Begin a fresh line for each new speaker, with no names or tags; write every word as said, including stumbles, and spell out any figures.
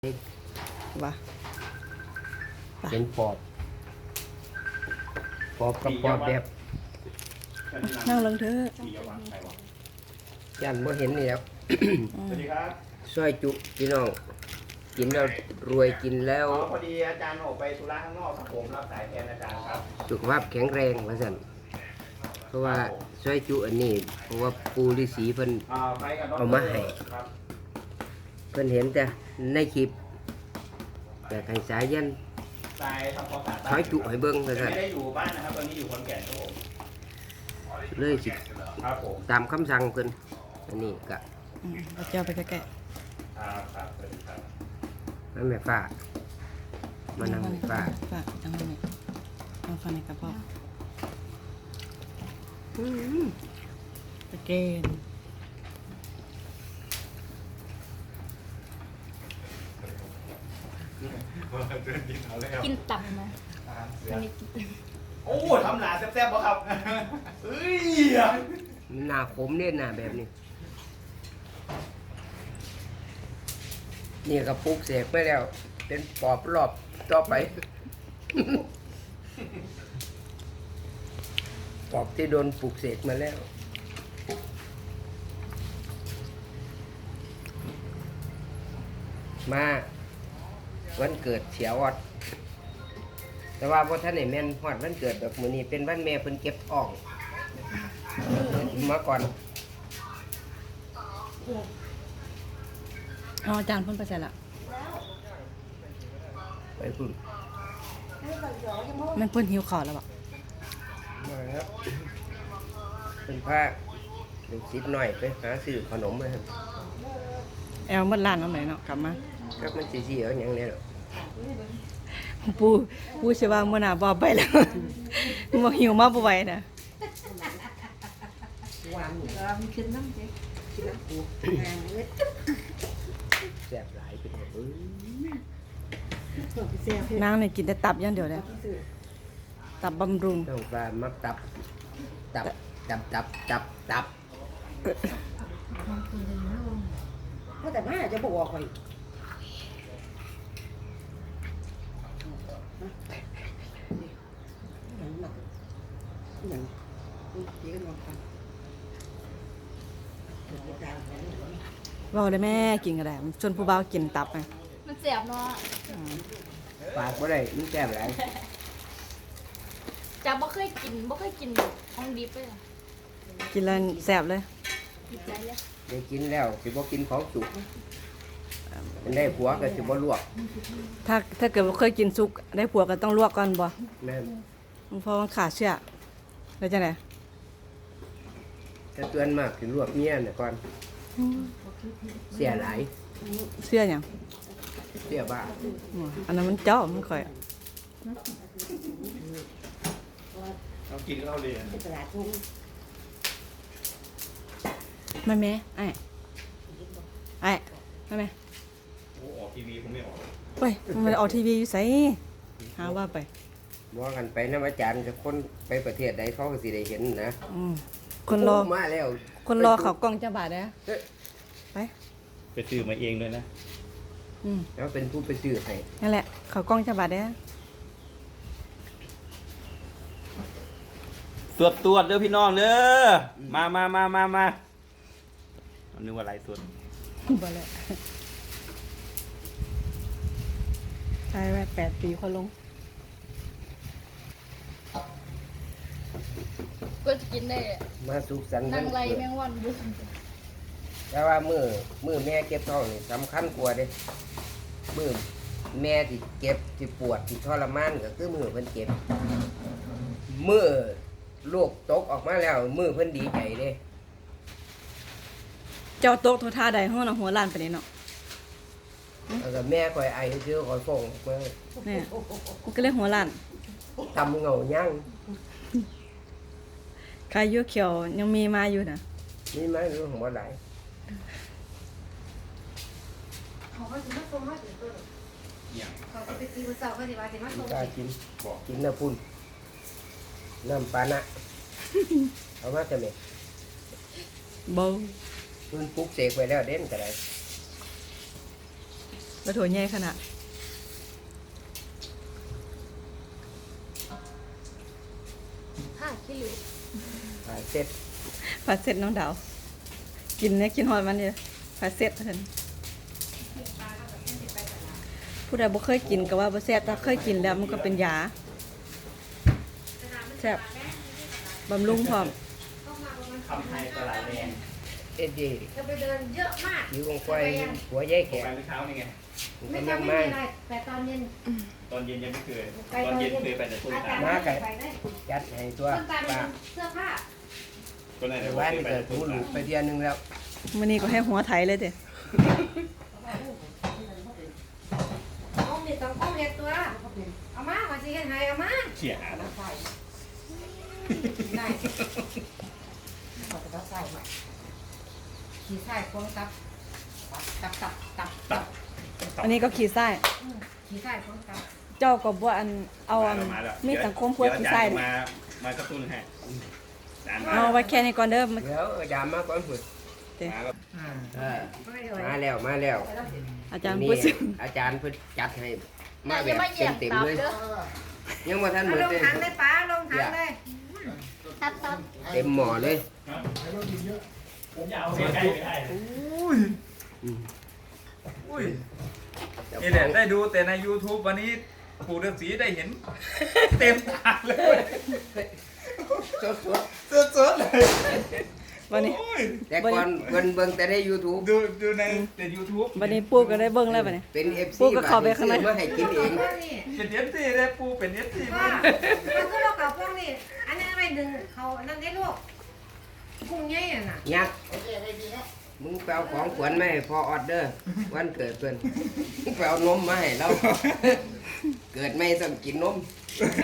วะ
เป็นปอบปอบกับปอบแบบ
นั่งลงเถอะ
ยันบ่เห็นนี่แล้ว
สวัสดีครับ
ซอยจุพี่น้องกินแล้วรวยกินแล้ว
อ๋อพอดีอาจารย์ออกไปธุระข้างนอกครับผมรับสายแทนอาจารย์ครับ
สุขภาพแข็งแรงว่าซั่นเพราะว่าซอยจุอันนี้เพราะว่าปูฤาษีเพิ่น
อ่าไปกับน้อง
เอามาให้
ครับ
เพิ่นเห็นแต่ในคลิปแต่ให้สายยัน
สายทำความสะอาด
ซอยจุให้เบิ่งว่า
แต่
ซั่น
ไม่ได้อยู่บ้านนะครับตอนนี้อยู่ขอนแก่นครับผม
เลยสิ
ครับผม
ตามคำสั่งเพิ่นอันนี้ก็
อืมเอาเจ้าไปแกะ
ครับครับสวัสดีครับ
นั่นแม่ฟ้ามานั่งแม่ฟ้า
ฝากจังเลยเอาฟันในกระเพาะตะเกน
กินตับไหมอันนี้กิน
โอ้ทำหนาแซ่บๆป่ะครับเฮ้ย
หน้าขมเนี่ยหน้าแบบนี้ นี่ก็ปลูกเสกไปแล้ว เป็นปอบรอบต่อไป ปอบที่โดนปลูกเสกมาแล้ว มาวันเกิดเสียออด แต่ว่าพอท่านไหนแม่นฮอดวันเกิดแบบมื้อนี้เป็นวันแม่เพิ่นเก็บอ่องมาก่อน
เอาอาจารย์เพ่นไปใส่ละ
ไปคุณ
มันเพ่นหิวข่าวแล้วบ่
มาครับเป็นผ้าเป็นซิดหน่อยไปหาซื้อขนมมาครับ
แอลมัดล้านเอาไหนเนาะกลับมา
ครับมันสีๆเอาอย่างนี้หรอก
ปูปูเชื่อว่าเมื่อหนาบอไปแล้ว บ่หิวมาบ่ไหวนะ
แซ่บหลายเป็นแบบเอ้ย
นางเนี่ยกินแต่ตับอย่างเดียวเลยตับบำรุง
ต้องการมักตับ ตับ ตับ ตับ ตับ ตับ
ก็แต่มาจะบอกคอยอย่างหนักอย่างนี้ก็นอนฟัง
เว่าได้แม่กินก็ได้ชวนผู้บ่าวกินตับไง
มันเสียบเนาะ
ปากบ่ได้มันแซ่บหลาย
จะบ่เคยกินบ่เคยกินของดิบเลยเหรอ
กินแล้วแซ่บเลย
ดีใจเลย
ได้กินแล้วสิบ่กินของสุกมันได้ผัวก็สิบ่ลวก
ถ้าถ้าเกิดว่าเคยกินซุกได้ผัวก็ต้องลวกก่อนบ่
แม่น
เพราะมันขาดเชื้อแล้วจังได๋
ถ้าเตือนมากสิลวกเมียน่ะก่อน เสียหลาย
เชื้อหยัง
เสียบ้า
อ๋ออันนั้นมันเจาะมันค่อย
เรากินข้าวเรียน
ตลาดทุ่ง
มาแม่ไอ้ไอ้มาแม่
โอ้ออกทีวีผมไม่ออก
เว้ยมันออกทีวีอยู่ไสหาว่าไป
บ่กันไปนำอาจารย์กับคนไปประเทศใดเขาก็สิได้เห็นนะ
อืมคนรอ
โมาแล้ว
คนรอเขากล้องจะบาดเด้อ
เอ้ย
ไป
ไปซื้อมาเองด้วยนะ
อืม
แล้วเป็นผู้ไปซื้อให้
นั่นแหละเขากล้องจะบาดเด้อ
ตรวจตรวจเด้อพี่น้องเด้อมามามามามาอันนึกว่าไรตรวจ
บ่แล้วใช่ไว้แปดปีคนลง
ก็จะกินได้
มาสุขสันต์
นั่งไร
เกิด
แมงวันอยู่
แต่ว่ามือมือแม่เก็บท้องนี่สำคัญกว่าเด้มือแม่ที่เก็บที่ปวดที่ทรมานก็คือมือเพิ่นเก็บมือลูกตกออกมาแล้ว มือเพิ่นดีใจเด้
เจ้าโต๊ะโทท่าใดห้องน่ะหัวล้านไปนี่เนาะ
แล้วก็แม่คอยไอซื้อคอยฟ้องมา
เนี่ยมันก็เลยหัวล้าน
ทำเงาย่าง
ใครอยู่เขียวยังมีมาอยู่น่ะ
นี่ไหมรู้ของว่าหลาย
เขาก็จะมาส่งมาถึงตัวเขาก็ไปซื้อเสาเขาสิว่าสิมาส่ง
กล้ากินกินน้ำพุ่นน้ำปานะเอามาจะไหม
เบา
เพิ่นปลุกเสกไปแล้วเด่นก็ได้
แล้วโถใหญ่ขนาด
ห้ากิโล
อ่าเสร็จ
ผัดเสร็จน้องดาว กินเนี่ยกินหอยมันเนี่ยผัดเสร็จเห็นผู้ใดบ่เคยกินก็ว่าบ่แซ่บถ้าเคยกินแล้วมันก็เป็นยาแซ่บบำรุงพร้อม
ต้องมาประมาณ
คำไทยตลาดแดง
เอ็ดดี้
จะไปเดินเยอะมาก
อยู่ของไฟหัวใหญ่
ไป
แข็ง
เมื่อเช้านี่ไง
ไม่
กำลั
ทำ
ง
ไม่
มา
มีอะไรแต่ตอนเย็น
ตอนเย็นยังไม่เคย
ไป
ตอนเย็นเคยไปแต่ต้น
อา
ตา
จาร
ล
ย์ไม่ไปได้
จัดให้ตัว
ต้นตาล
ป้า
เป็นเสื้อผ้า
ต้นไหน
แต่
เดี๋ยว
ว่า
เค
นี่
ยไป
ก็
แต่
ถู
ต้น
หลู
ตาล
ไปเดือนหนึงแล้ว
มื้อนี้ก็ให้หัวไถเลยเด้
เอามีต้องเอาเห็ดตัวเอามามาสิเฮ็ดให้เอามา
เขี่ยหา
ได้ขอจะใส่ใหม่ขี่ใส่พวงตับตับตับตับตับ
อันนี้ก็ขี้ไส้
ขี่ใส่พวงตับ
เจ้าก็บ่อันเอาอัน
มาแล้ว
มีสังคมพวกขี้ไส้
เดี๋ยวอาจารย์มามากระตุ้นให้อาจารย์มา
เอาไว้แค่นี้ก่อนเด้อมา
เดี๋ยวอาจารย์มาก่อนพุ่น
มาแล้ว
เออ
ไม่เลย
มาแล้วมาแล้ว
อาจารย์
นี่
พูดสิ
อาจารย์เพิ่นจัดให้มาแบบเต็มๆเลยยังบ่ทันหม
เอา
ด
ลง
เลย
ถังเลยป้าลงถังเลยตับตับ
เต็มหม้อเลย
ผมอยากเอาเสียใกล้ไปได้
อุ้ย
อืม
อุ้ย
เจ้า
นี่
ข
แหละ
อง
ได้ดูแต่ใน YouTube วันนี้ปู่ฤาษีได้เห็น เต็มตาเลย
สด
สดๆเลย
วันนี้
โอ้ย
ๆแต่ก่อนเบิ่งเบิ่งแต่ใน YouTube
ดูดูในแต่ YouTube
วันนี้ปู่ก็ได้เบิ่งแล้วบัดนี้
เป็น เอฟ ซี
ปุ๊กก็เข้าไปข้างใน
ซื้อมาให้กินเอง
นี่
เป็น เอฟ ซี เลยปู่เป็น เอฟ ซี
ว่า
มา
มันก็เรากับพวกนี้อันนี้อะไรดึงเขานั่นได้ลูกกุ้งใหญ่น่ะ
ยักษ์มึงไปเอาของขวัญมาให้พ่อออดเดอร์วันเกิดเพิ่นมึงไปเอานมมาให้เรา เกิดไม่ต้องกินนม